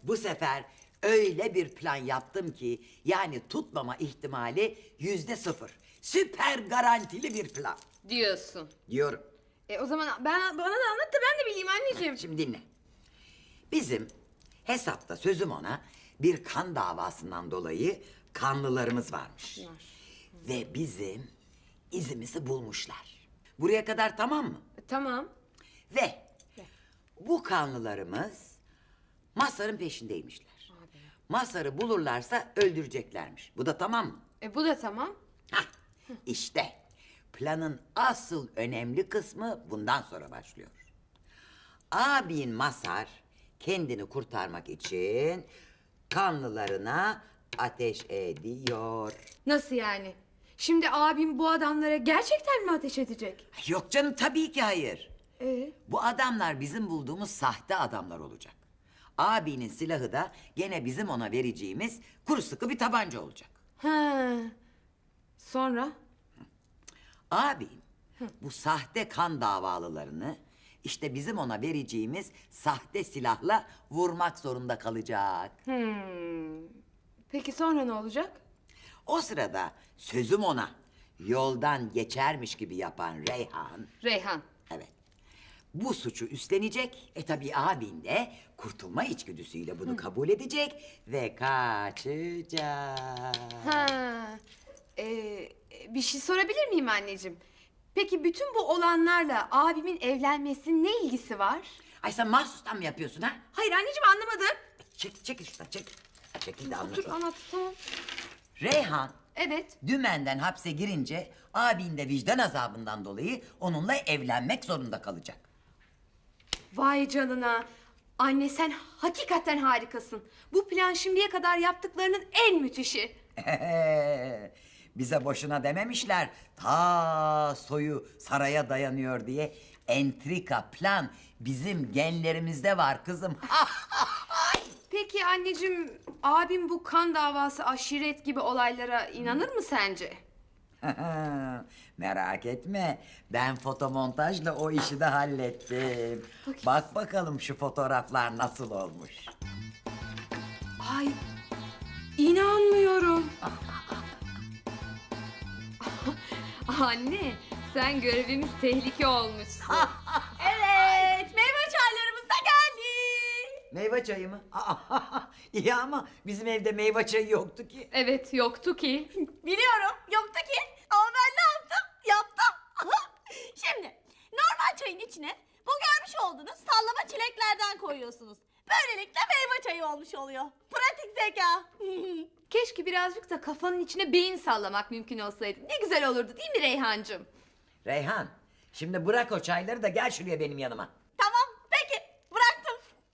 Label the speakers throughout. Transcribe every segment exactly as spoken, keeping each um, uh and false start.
Speaker 1: Bu sefer öyle bir plan yaptım ki yani tutmama ihtimali yüzde sıfır. Süper garantili bir plan
Speaker 2: Diyorsun.
Speaker 1: diyorum.
Speaker 2: E o zaman ben, bana da anlat da ben de bileyim anneciğim.
Speaker 1: Şimdi dinle. Bizim hesapta sözüm ona bir kan davasından dolayı kanlılarımız varmış.
Speaker 2: Var.
Speaker 1: Ve bizim izimizi bulmuşlar. Buraya kadar tamam mı?
Speaker 2: E, tamam.
Speaker 1: Ve bu kanlılarımız Mazhar'ın peşindeymişler. Mazhar'ı bulurlarsa öldüreceklermiş. Bu da tamam mı?
Speaker 2: E bu da tamam.
Speaker 1: Hah, işte planın asıl önemli kısmı bundan sonra başlıyor. Abin Mazhar kendini kurtarmak için kanlılarına ateş ediyor.
Speaker 2: Nasıl yani? Şimdi abim bu adamlara gerçekten mi ateş edecek?
Speaker 1: Yok canım, tabii ki hayır.
Speaker 2: E
Speaker 1: Bu adamlar bizim bulduğumuz sahte adamlar olacak. Abinin silahı da gene bizim ona vereceğimiz kuru sıkı bir tabanca olacak.
Speaker 2: ha. Sonra?
Speaker 1: Abim bu sahte kan davalılarını işte bizim ona vereceğimiz sahte silahla vurmak zorunda kalacak.
Speaker 2: Hmm. Peki sonra ne olacak?
Speaker 1: O sırada sözüm ona yoldan geçermiş gibi yapan Reyhan,
Speaker 2: Reyhan.
Speaker 1: evet, bu suçu üstlenecek. E tabii abin de kurtulma içgüdüsüyle bunu kabul edecek ve kaçacak.
Speaker 2: Ha. E, bir şey sorabilir miyim anneciğim? Peki bütün bu olanlarla abimin evlenmesinin ne ilgisi var?
Speaker 1: Ay sen mahsustan mı yapıyorsun ha?
Speaker 2: Hayır anneciğim anlamadım.
Speaker 1: Çek, çekil şuradan, çekil. Çekil de
Speaker 2: Dur
Speaker 1: anlatayım.
Speaker 2: anlat tamam.
Speaker 1: Reyhan
Speaker 2: Evet.
Speaker 1: dümenden hapse girince abin de vicdan azabından dolayı onunla evlenmek zorunda kalacak.
Speaker 2: Vay canına. Anne sen hakikaten harikasın. Bu plan şimdiye kadar yaptıklarının en müthişi.
Speaker 1: Bize boşuna dememişler ta soyu saraya dayanıyor diye. Entrika, plan bizim genlerimizde var kızım.
Speaker 2: Peki anneciğim abim bu kan davası aşiret gibi olaylara inanır mı sence?
Speaker 1: Merak etme, ben fotomontajla o işi de hallettim. Bak bakalım şu fotoğraflar nasıl olmuş.
Speaker 2: Ay inanmıyorum. Anne sen görevimiz tehlike olmuşsun.
Speaker 3: Evet, meyve çaylarımız da geldi.
Speaker 1: Meyve çayı mı? İyi ama bizim evde meyve çayı yoktu ki.
Speaker 2: Evet yoktu ki.
Speaker 3: Biliyorum, yoktu ki. Ama ben ne yaptım? Yaptım. Şimdi, normal çayın içine bu görmüş olduğunuz sallama çileklerden koyuyorsunuz. Böylelikle meyve çayı olmuş oluyor. Pratik zeka.
Speaker 2: Keşke birazcık da kafanın içine beyin sallamak mümkün olsaydı. Ne güzel olurdu değil mi Reyhancığım?
Speaker 1: Reyhan, şimdi bırak o çayları da gel şuraya benim yanıma.
Speaker 3: Tamam, peki. Bıraktım.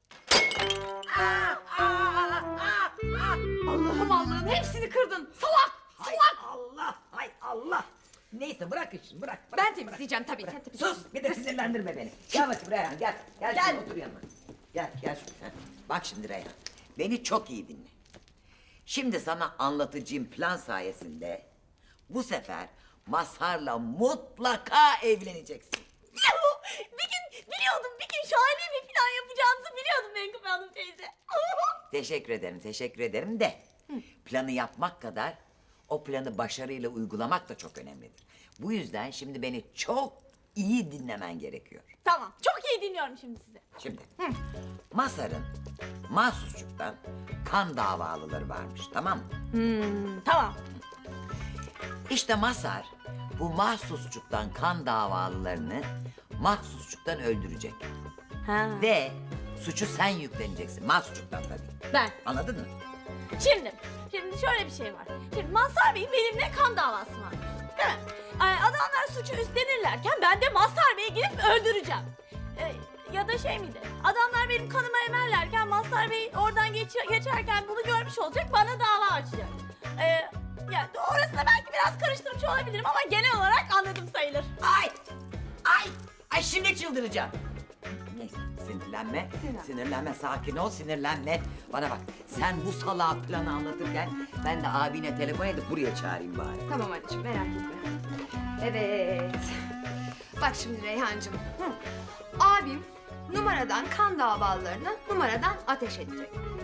Speaker 2: Allah'ım Allah'ım hepsini kırdın. Salak!
Speaker 1: Hay Allah, hay Allah. Neyse bırak şimdi, bırak. bırak
Speaker 2: Ben
Speaker 1: bırak.
Speaker 2: temizleyeceğim tabii. sen temizle.
Speaker 1: Sus, bir de sinirlendirme beni. Gel bakayım Reyhan, gel. Gel,
Speaker 3: Gel.
Speaker 1: şuraya, otur yanıma. Gel, gel şuraya. Bak şimdi Reyhan, beni çok iyi dinle. Şimdi sana anlatacağım plan sayesinde bu sefer Mazhar'la mutlaka evleneceksin.
Speaker 3: Yahu, bir gün biliyordum, bir gün şahane bir plan yapacağınızı biliyordum Menkıbe Hanım teyze.
Speaker 1: Teşekkür ederim, teşekkür ederim de planı yapmak kadar o planı başarıyla uygulamak da çok önemlidir. Bu yüzden şimdi beni çok iyi dinlemen gerekiyor.
Speaker 3: Tamam, çok iyi dinliyorum şimdi sizi.
Speaker 1: Şimdi Mazhar'ın mahsusçuktan kan davalıları varmış, tamam mı?
Speaker 3: Tamam.
Speaker 1: İşte Mazhar bu mahsusçuktan kan davalılarını mahsusçuktan öldürecek.
Speaker 3: Ha.
Speaker 1: Ve suçu sen yükleneceksin, mahsusçuktan tabii.
Speaker 3: Ben.
Speaker 1: Anladın mı?
Speaker 3: Şimdi, şimdi şöyle bir şey var. Şimdi Mazhar Bey'in benimle kan davası var. Değil mi? Ee, adamlar suçu üstlenirlerken ben de Mazhar Bey'i gidip öldüreceğim. Ee, ya da şey miydi? Adamlar benim kanımı emerlerken Mazhar Bey oradan geç- geçerken bunu görmüş olacak, bana dava açacak. Ee, ya orasında belki biraz karıştırmış olabilirim ama genel olarak anladım sayılır.
Speaker 1: Ay! Ay! Ay şimdi çıldıracağım. Neyse sinirlenme, sinirlenme, sakin ol, sinirlenme. Bana bak, sen bu salak planı anlatırken ben de abine telefon edip buraya çağırayım bari.
Speaker 2: Tamam anneciğim merak etme. Evet. Bak şimdi Reyhancığım. Hı. Abim numaradan kan davalarına numaradan ateş edecek. Sen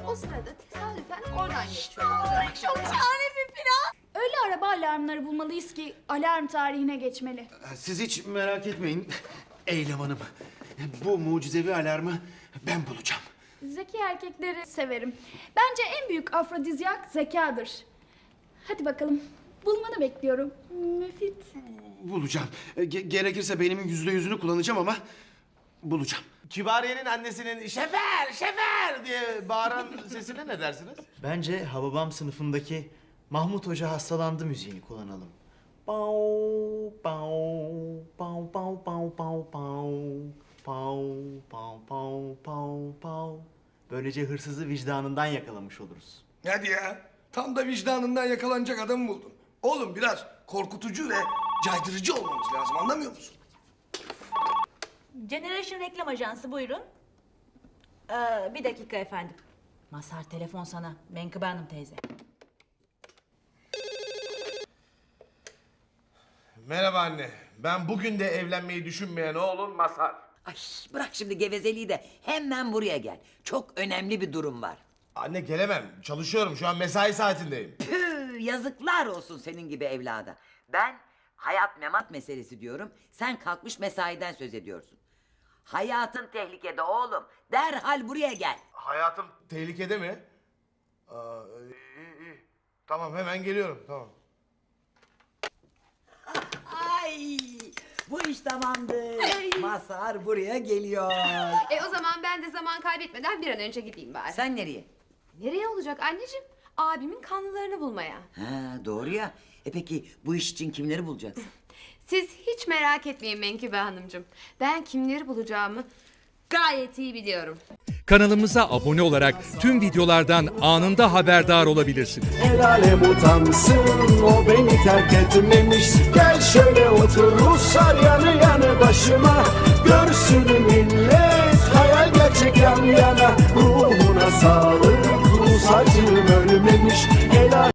Speaker 2: o sırada tesadüfen oradan geçiyorlar.
Speaker 3: Çok şahane bir plan.
Speaker 4: Öyle araba alarmları bulmalıyız ki alarm tarihine geçmeli.
Speaker 5: Siz hiç merak etmeyin Eylem Hanım. Bu mucizevi alarmı ben bulacağım.
Speaker 4: Zeki erkekleri severim. Bence en büyük afrodizyak zekadır. Hadi bakalım. Bulmanı bekliyorum. Müfit.
Speaker 5: Bulacağım. Ge- gerekirse beynimin yüzde yüzünü kullanacağım ama bulacağım.
Speaker 6: Kibariye'nin annesinin şefer şefer diye bağıran sesine ne dersiniz?
Speaker 7: Bence Hababam sınıfındaki Mahmut Hoca hastalandı müziğini kullanalım. Pau pau pau pau pau pau pau pau pau pau pau pau. Böylece hırsızı vicdanından yakalamış oluruz.
Speaker 8: Hadi ya. Tam da vicdanından yakalanacak adamı buldun. Oğlum biraz korkutucu ve caydırıcı olmamız lazım, anlamıyor musun?
Speaker 9: Generation Reklam Ajansı buyurun. Ee, bir dakika efendim. Mazhar telefon sana. Menkıbe Hanım teyze.
Speaker 6: Merhaba anne. Ben bugün de evlenmeyi düşünmeyen oğlun Mazhar.
Speaker 1: Ay bırak şimdi gevezeliği de hemen buraya gel. Çok önemli bir durum var.
Speaker 6: Anne gelemem. Çalışıyorum. Şu an mesai saatindeyim.
Speaker 1: Püh, yazıklar olsun senin gibi evlada. Ben hayat memat meselesi diyorum. Sen kalkmış mesaiden söz ediyorsun. Hayatın tehlikede oğlum. Derhal buraya gel.
Speaker 6: Hayatım tehlikede mi? Aa, iyi, iyi. Tamam hemen geliyorum. Tamam.
Speaker 1: Ay bu iş tamamdır. Mazhar buraya geliyor.
Speaker 2: E o zaman ben de zaman kaybetmeden bir an önce gideyim bari.
Speaker 1: Sen nereye?
Speaker 2: Nereye olacak anneciğim? Abimin kanlılarını bulmaya.
Speaker 1: Ha doğru ya. E peki bu iş için kimleri bulacaksın?
Speaker 2: Siz hiç merak etmeyin Menkıbe Hanımcığım. Ben kimleri bulacağımı gayet iyi biliyorum.
Speaker 10: Kanalımıza abone olarak tüm videolardan anında haberdar olabilirsiniz.
Speaker 11: El alem utansın, o beni terk etmemiş. Gel şöyle otur Ruslar yanı yanı başıma. Görsün millet hayal gerçek yan yana. Ruhuna sağlık, Rus acım ölmemiş. El